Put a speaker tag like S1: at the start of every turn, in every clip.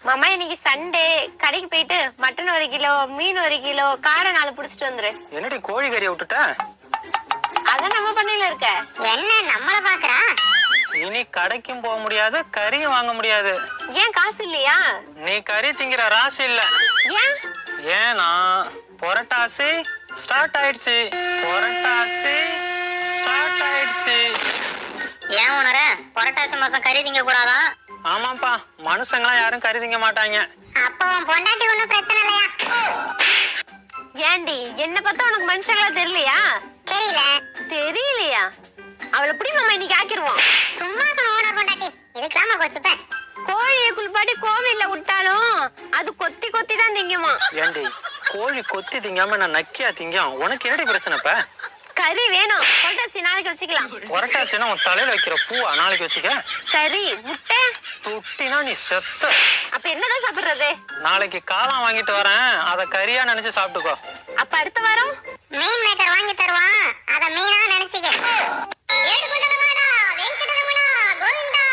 S1: மாமா இன்னைக்கு சண்டே, கடைக்கு போயிட்டு மட்டன் 1 கிலோ, மீன் 1 கிலோ, காடை 4 புடிச்சிட்டு வந்துரு.
S2: என்னடி கோழி கறியை விட்டுட்ட?
S1: அதான் நம்ம பண்ணையில இருக்க. என்ன நம்மள பாக்குறா?
S2: இனி கடைக்கும் போக முடியாது, கறியும் வாங்க முடியாது.
S1: ஏன் காசு இல்லையா?
S2: நீ கறி திங்கிற ராசி இல்ல.
S1: ஏன்?
S2: ஏன்னா புரட்டாசி ஸ்டார்ட் ஆயிடுச்சு. புரட்டாசி ஸ்டார்ட் ஆயிடுச்சு.
S3: ஏன் உணர புரட்டாசி மாசம் கறி திங்க கூடாதா?
S2: ஆமாப்பா, மனுஷங்களாம் யாரும் கறி திங்க மாட்டாங்க.
S3: அப்போ பொண்டாட்டி ஒண்ணும் பிரச்சனை இல்லையா?
S1: ஏண்டி என்ன பார்த்தா உனக்கு மனுஷங்களா தெரியலையா?
S3: தெரியல.
S1: தெரியலையா? அவளை எப்படி மாமா இன்னைக்கு ஆக்கிடுவோம்.
S3: சும்மா சொன்ன ஓனர் பொண்டாட்டி இதுக்கெல்லாம கோச்சுப்பேன்.
S1: கோழியை குளிப்பாட்டி கோவில்ல விட்டாலும் அது கொத்தி கொத்தி தான் திங்குமா.
S2: ஏண்டி கோழி கொத்தி திங்காம நான் நக்கியா திங்கும்? உனக்கு என்னடி பிரச்சனை? இப்ப
S1: கறி வேணும். புரட்டாசி நாளைக்கு வச்சுக்கலாம்.
S2: புரட்டாசினா உன் தலையில வைக்கிற பூவா நாளைக்கு வச்சுக்க.
S1: சரி, முட்டை
S2: துட்டினா நீ செத்த.
S1: அப்ப என்னதான் சாப்பிடுறது?
S2: நாளைக்கு காளான் வாங்கிட்டு வரேன், அத கறியா நினைச்சு சாப்பிட்டுக்கோ.
S1: அப்ப அடுத்த வாரம்
S3: மீன் மேக்கர் வாங்கி தருவான், அத மீனா நினைச்சிக்க. ஏடுகுண்டலமாடா வெங்கடரமணா கோவிந்தா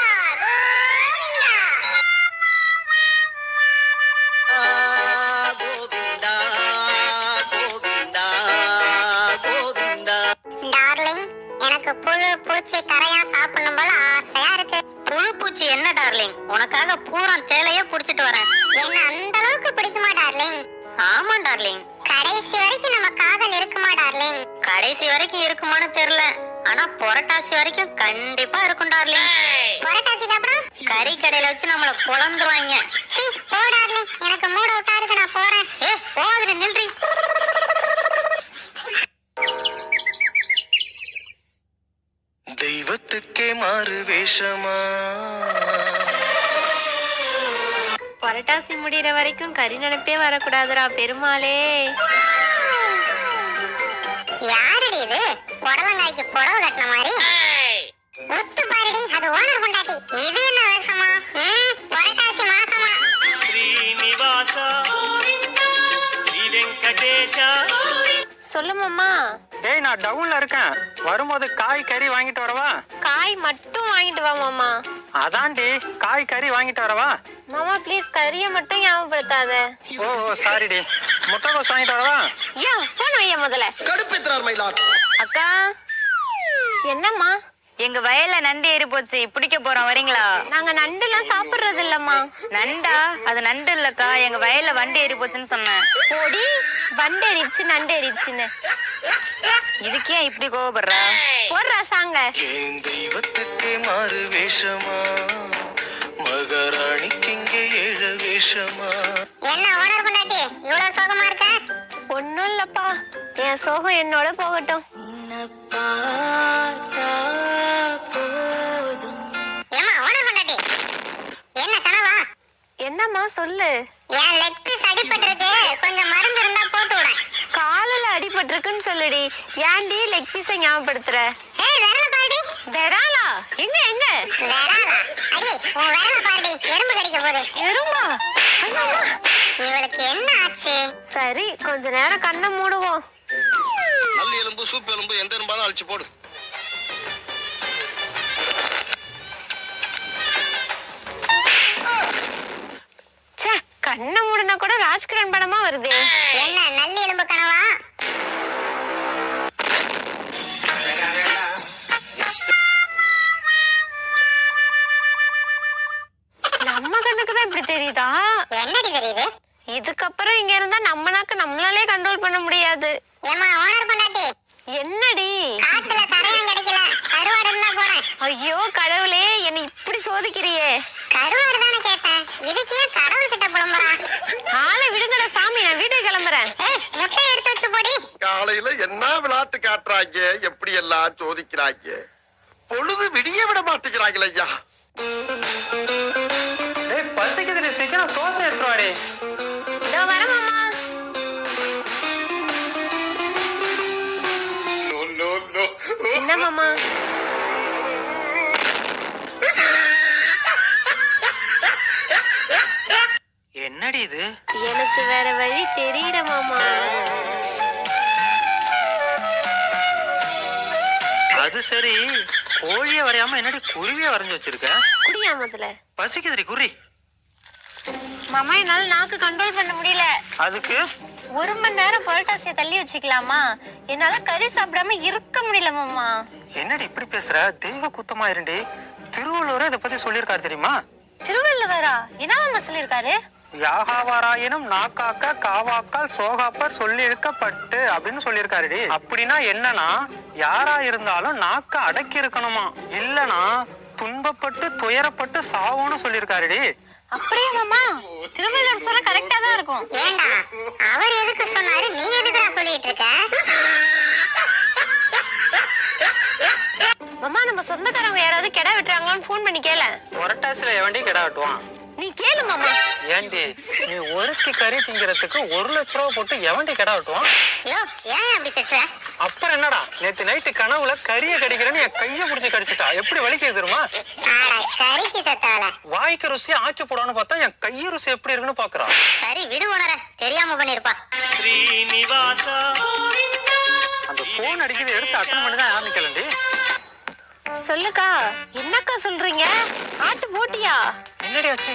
S3: கோவிந்தா. கோவிந்தா கோவிந்தா கோவிந்தா. டார்லிங், எனக்கு புழு பூச்சி கரையா சாப்பிடணும் போல ஆசையா இருக்கு. புழு பூச்சி என்ன டார்லிங், உனக்காக பூரா தேலையே புடிச்சிட்டு வரேன். என்ன அந்த அளவுக்கு பிடிக்குமா டார்லிங்? ஆமா டார்லிங். கடைசி வரைக்கும் நம்ம காதல் இருக்குமா டார்லிங்? கடைசி வரைக்கும் இருக்குமான்னு தெரியல, ஆனா புரட்டாசி வரைக்கும் கண்டிப்பா இருக்கும் டார்லிங். புரட்டாசிக்கு அப்புறம் கறி கடையில வச்சு நம்மள குழந்துருவாங்க. சீ போ டார்லிங், எனக்கு மூட விட்டா இருக்கு, நான் போறேன். போகாதடி, நில்றி.
S4: தெய்வத்துக்கே மாறு வேஷமா?
S1: புரட்டாசி முடிகிற வரைக்கும் கறி நினைப்பே வரக்கூடாதுடா பெருமாளே.
S3: யாரடி இது புடலங்காய்க்கு புடவை கட்டின மாதிரி? ஒத்து பாருடி, அது ஓனர் பொண்டாட்டி. இது என்ன வேஷமா? புரட்டாசி மாசமா?
S4: ஸ்ரீனிவாசா ஸ்ரீ வெங்கடேஷா.
S1: சொல்லு மாமா.
S2: டேய், நான் டவுன்ல இருக்கேன், வரும்போது காய் கறி வாங்கிட்டு வரவா?
S1: காய் மட்டும் வாங்கிட்டு வா மாமா.
S2: அதான்டி, காய் கறி வாங்கிட்டு வரவா?
S1: மாமா ப்ளீஸ் கறியை மட்டும் ஞாபகப்படுத்தாத.
S2: ஓ சாரிடி. முட்டைகோஸ் வாங்கிட்டு வரவா?
S1: யா போன் வையா முதல்ல.
S4: கடுப்பேத்துறார் மயிலாட்.
S1: அக்கா என்னம்மா?
S5: எங்க வயல்ல நண்டு ஏறி போச்சு, பிடிக்க போறோம், வரீங்களா?
S1: நாங்க நண்டுலாம் சாப்பிடுறது இல்லம்மா.
S5: நண்டா? அது நண்டு இல்லக்கா, எங்க வயல்ல வண்டி ஏறி போச்சுன்னு சொன்னேன்.
S1: போடி, வண்டு எரிச்சு நண்டு எரிச்சுன்னு.
S5: இதுக்கே இப்படி கோவப்படுறா?
S1: போடுறா சாங்க.
S4: என் தெய்வத்துக்கே மாறு வேஷமா? மகாராணிக்கு இங்கே ஏழ வேஷமா?
S3: என்ன ஓனர் பொண்டாட்டி இவ்வளவு சோகமா இருக்க?
S1: ஒண்ணும் இல்லப்பா, என் சோகம் என்னோட போகட்டும்.
S3: ஏமா ஓனர் பொண்டாட்டி, என்ன கனவா?
S1: என்னம்மா சொல்லு.
S3: என் லெக் பீஸ் அடிபட்டிருக்கு, கொஞ்சம் மருந்து இருந்தா போட்டு விட.
S1: காலில் அடிபட்டிருக்குன்னு சொல்லுடி. ஏன்டி லெக் பீஸை ஞாபகப்படுத்துற?
S3: விரல பாடி.
S1: விராலா? எங்க எங்க?
S3: விரலா? அடி உன் விரல பாடி, எறும்பு கடிக்க போகுது.
S1: எறும்பா? ஐயோ,
S3: இவளுக்கு என்ன ஆச்சு?
S1: சரி கொஞ்ச நேரம் கண்ணை மூடுவோம்.
S6: நல்ல எலும்பு சூப் எலும்பு எந்த எலும்பாலும் அழிச்சு போடு.
S1: ச்சே, கண்ணை மூடுனா கூட ராஜ்கிரண் படமா வருது.
S3: என்ன நல்ல எலும்பு கனவா?
S1: நம்ம கண்ணுக்கு தான் இப்படி தெரியுதா?
S3: என்னடி தெரியுது?
S1: இதுக்கப்புறம் இங்க இருந்தா நம்ம நாக்கு நம்மளாலே கண்ட்ரோல் பண்ண முடியாது.
S3: ஏமா ஓனர் பொண்டாட்டி,
S1: என்னடி?
S3: காட்டுல கரையான் கிடைக்கல, கருவாடு இருந்தா போறேன்.
S1: ஐயோ கடவுளே, என்னை இப்படி சோதிக்கிறியே.
S3: கருவாடு தானே கேட்டேன், இதுக்கு ஏன் கடவுள் கிட்ட புலம்புறா?
S1: ஆளை விடுங்கடா சாமி, நான் வீட்டுக்கு கிளம்புறேன்.
S3: முட்டை எடுத்து வச்சு போடி.
S6: காலையில என்ன விளையாட்டு காட்டுறாங்க, எப்படி எல்லாம் சோதிக்கிறாங்க. பொழுது விடிய விட மாட்டேங்கிறாங்களே ஐயா.
S2: டேய் பசிக்குதுடி, சீக்கிரம் தோசை எடுத்துருவாடி.
S1: இதோ வரேன் மாமா. என்ன மாமா?
S2: என்னடி இது?
S1: எனக்கு வேற வழி தெரியல மாமா.
S2: அது சரி, கோழிய வரையாம என்னடி குருவிய வரைஞ்சு வச்சிருக்க?
S1: குடியா முதல்ல.
S2: பசிக்குதுடி, குறி.
S1: மாமா என்னால நாக்கு கண்ட்ரோல் பண்ண முடியல.
S2: அதுக்கு
S1: 1 மணி நேரம் புரட்டாசியை தள்ளி வச்சுக்கலாமா? என்னால கறி சாப்பிடாம இருக்க முடியல மாமா.
S2: என்னடி இப்படி பேசுற? தெய்வ குத்தமா இருண்டி. திருவள்ளுவரே இதை பத்தி சொல்லியிருக்காரு தெரியுமா?
S1: திருவள்ளுவரா? என்ன மாமா சொல்லியிருக்காரு?
S2: யாகாவாராயினும் நாக்காக்க காவாக்கால் சோகாப்பர் சொல்லி இழுக்கப்பட்டு அப்படின்னு சொல்லியிருக்காருடி. அப்படின்னா என்னன்னா, யாரா இருந்தாலும் நாக்க அடக்கி இருக்கணுமா, இல்லனா துன்பப்பட்டு துயரப்பட்டு சாவோன்னு சொல்லியிருக்காருடி.
S1: அப்படியே மாமா? திருவள்ளுவர் சொன்னா கரெக்டா தான் இருக்கும்.
S3: ஏண்டா அவர் எதுக்கு சொன்னாரு, நீ எதுக்குடா சொல்லிட்டு இருக்க?
S1: மாமா நம்ம சொந்தக்காரங்க யாராவது கெடா வெட்டுறாங்களான்னு ஃபோன் பண்ணி கேள.
S2: புரட்டாசில எவண்டி கிடா வெட்டுவான்?
S1: நீ கேளு மாமா.
S2: ஏண்டி நீ ஒருத்தி கறி திங்கிறதுக்கு 1 லட்ச ரூபா போட்டு எவண்டி கிடா வெட்டுவான்?
S3: யோ ஏன் அப்படி திட்டுற?
S2: அப்புறம் என்னடா, நேத்து நைட்டு கனவுல கறியை கடிக்கிறேன்னு என் கைய புடிச்சு கடிச்சிட்டா. எப்படி வலிக்குது தெரியுமா?
S3: ஆட கறிக்கு செத்தால.
S2: வாய்க்கு ருசி ஆக்கி போடான்னு பார்த்தா என் கைய ருசி எப்படி இருக்குன்னு பாக்குறான்.
S3: சரி விடு உணர, தெரியாம பண்ணிருப்பா.
S4: ஸ்ரீனிவாசா
S2: அந்த போன் அடிக்குது, எடுத்து அட்டன் பண்ணி தான் ஆரம்பிக்கலண்டி.
S1: சொல்லுக்கா. என்னக்கா சொல்றீங்க? ஆட்டு போட்டியா?
S2: என்னடி ஆச்சு?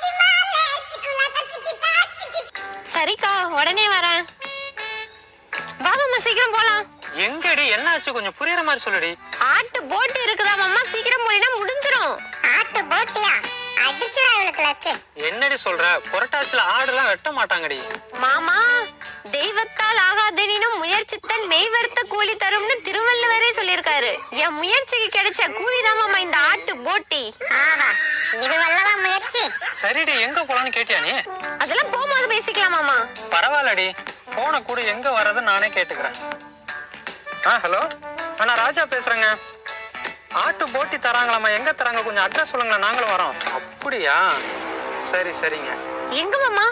S1: சரிக்கா உடனே வரேன். வா மாமா சீக்கிரம் போலாம்.
S2: எங்கடி என்ன ஆச்சு? கொஞ்சம் புரியுற மாதிரி சொல்லுடி.
S1: ஆட்டு போட்டு இருக்குதா மாமா? சீக்கிரம் போலினா முடிஞ்சிரும்.
S3: ஆட்டு போட்டியா? அடிச்சுடா இவளுக்கு லக்கு.
S2: என்னடி சொல்ற? புரட்டாசில ஆடுலாம் வெட்ட மாட்டாங்கடி.
S1: மாமா தெய்வத்தால் ஆகாதெனினும் முயற்சித்தல் மெய்வருத்த கூலி தரும்னு திருவள்ளுவரே சொல்லியிருக்காரு. என் முயற்சிக்கு கிடைச்ச கூலிதான் மாமா இந்த ஆட்டு போட்டி.
S3: ஆஹா, இது வல்லவா முயற்சி.
S2: சரிடி, எங்க போலான்னு கேட்டியா நீ?
S1: அதெல்லாம் போகும்போது பேசிக்கலாம் மாமா.
S2: பரவாயில்லடி, போன கூட எங்க வர்றது நானே கேட்டுக்கிறேன். ஹலோ, நான் ராஜா பேசுறேங்க. ஆட்டு போட்டி தராங்களாமா, எங்க தராங்க? கொஞ்சம் அட்ரஸ் சொல்லுங்களேன், நாங்களும் வரோம். அப்படியா? சரி சரிங்க.
S1: எங்க மாமா?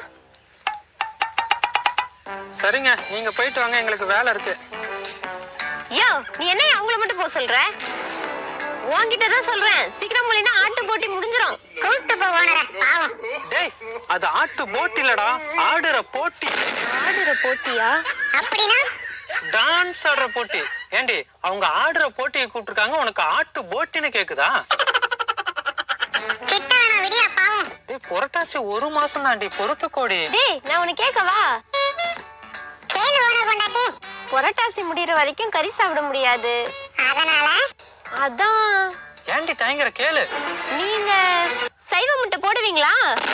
S2: சரிங்க, நீங்க போயிட்டு வாங்க, எங்களுக்கு வேலை இருக்கு.
S1: யோ நீ என்ன அவங்கள மட்டும் போக சொல்ற? உன்கிட்ட தான் சொல்றேன், சீக்கிரம் போலினா ஆட்டு போட்டி முடிஞ்சிரும்.
S3: கூட்டு போ ஓனர, பாவம்.
S2: டேய், அது ஆட்டு போட்டி இல்லடா, ஆடுற போட்டி.
S1: ஆடுற போட்டியா?
S3: அப்படின்னா
S2: டான்ஸ் ஆடுற போட்டி. ஏண்டி அவங்க ஆடுற போட்டியை கூப்பிட்டுருக்காங்க, உனக்கு ஆட்டு போட்டின்னு கேக்குதா?
S3: கிட்டானா விடியா பாவம்.
S2: டேய், புரட்டாசி 1 மாசம் தாண்டி, பொறுத்துக்கோடி.
S1: டேய் நான் உனக்கு கேட்கவா?
S3: கேளு ஓனர் பொண்டாட்டி.
S1: புரட்டாசி முடியற வரைக்கும் கறி சாப்பிட முடியாது.
S3: அதனால
S1: அதான்.
S2: ஏண்டி தயங்குற, கேளு.
S1: நீங்க சைவ முட்டை போடுவீங்களா?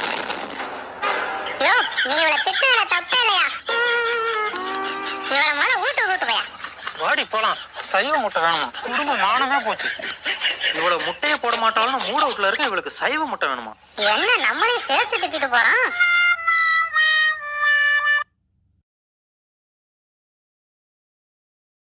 S3: யோ நீ இவளை திட்டுல தப்பே இல்லையா? இவளை முதல்ல வீட்டு போயா.
S2: வாடி போலாம். சைவ முட்டை வேணுமா? குடும்ப மானமே போச்சு. இவ்வளவு முட்டையை போட மாட்டாலும் மூட வீட்டுல இருக்க, இவளுக்கு சைவ முட்டை வேணுமா?
S3: என்ன நம்மளையும் சேர்த்து திட்டிட்டு போறான்.